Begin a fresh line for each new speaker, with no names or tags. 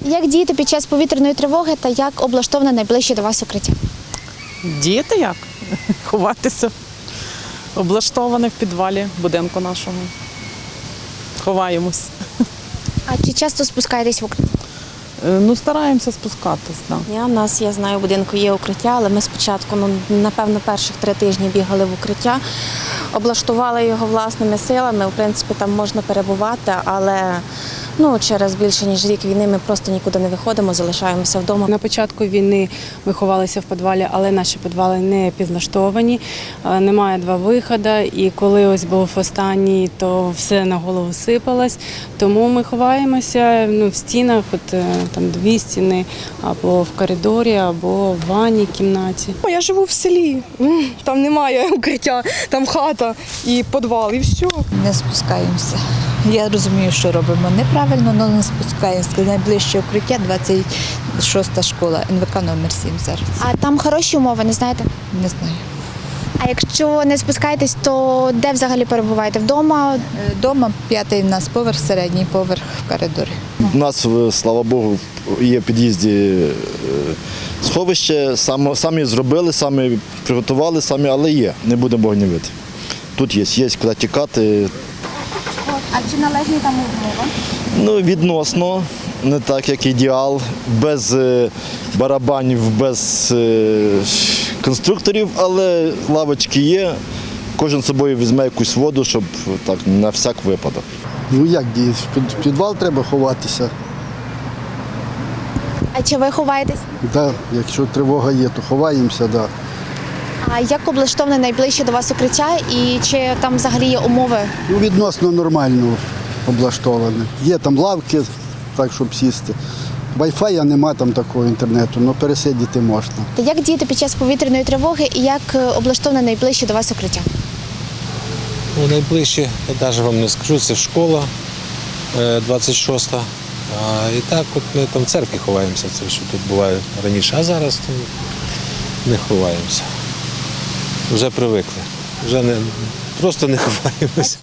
Як діяти під час повітряної тривоги та як облаштоване найближче до вас укриття?
Діяти як? Ховатися. Облаштоване в підвалі будинку нашого. Ховаємось.
А чи часто спускаєтесь в укриття?
Стараємося спускатись, так.
У нас, я знаю, у будинку є укриття, але ми спочатку, напевно, перших 3 тижні бігали в укриття, облаштували його власними силами. В принципі, там можна перебувати, але через більше ніж рік війни ми просто нікуди не виходимо, залишаємося вдома.
На початку війни ми ховалися в підвалі, але наші підвали не підлаштовані, немає 2 виходи. І коли ось був останній, то все на голову сипалось. Тому ми ховаємося в стінах, там 2 стіни, або в коридорі, або в ванній кімнаті.
Я живу в селі, там немає укриття, там хата і підвал, і все.
Не спускаємося. Я розумію, що робимо неправильно, але не спускаємося. Найближче укриття 26-та школа, НВК номер 7 зараз.
А там хороші умови, не знаєте?
Не знаю.
А якщо не спускаєтесь, то де взагалі перебуваєте? Вдома?
Дома 5-й в нас поверх, середній поверх в коридорі.
У нас, слава Богу, є в під'їзді сховище, самі зробили, самі приготували, але є, не будемо гнівити. Тут є куди тікати.
А чи належні там умови?
Відносно, не так, як ідеал, без барабанів, без конструкторів, але лавочки є. Кожен з собою візьме якусь воду, щоб так, на всяк випадок.
Як діяти? В підвал треба ховатися.
А чи ви ховаєтесь?
Да, якщо тривога є, то ховаємося, да.
А як облаштоване найближче до вас укриття і чи там взагалі є умови?
Відносно нормально облаштоване. Є там лавки, так, щоб сісти. Wi-Fi нема там такого інтернету, але пересидіти можна.
Та як діяти під час повітряної тривоги і як облаштоване найближче до вас укриття?
Найближче, я навіть вам не скажу, це школа 26-та. І так от ми там в церкві ховаємося, це що тут буває раніше, а зараз там не ховаємося. Вже привикли, вже просто не ховаємося.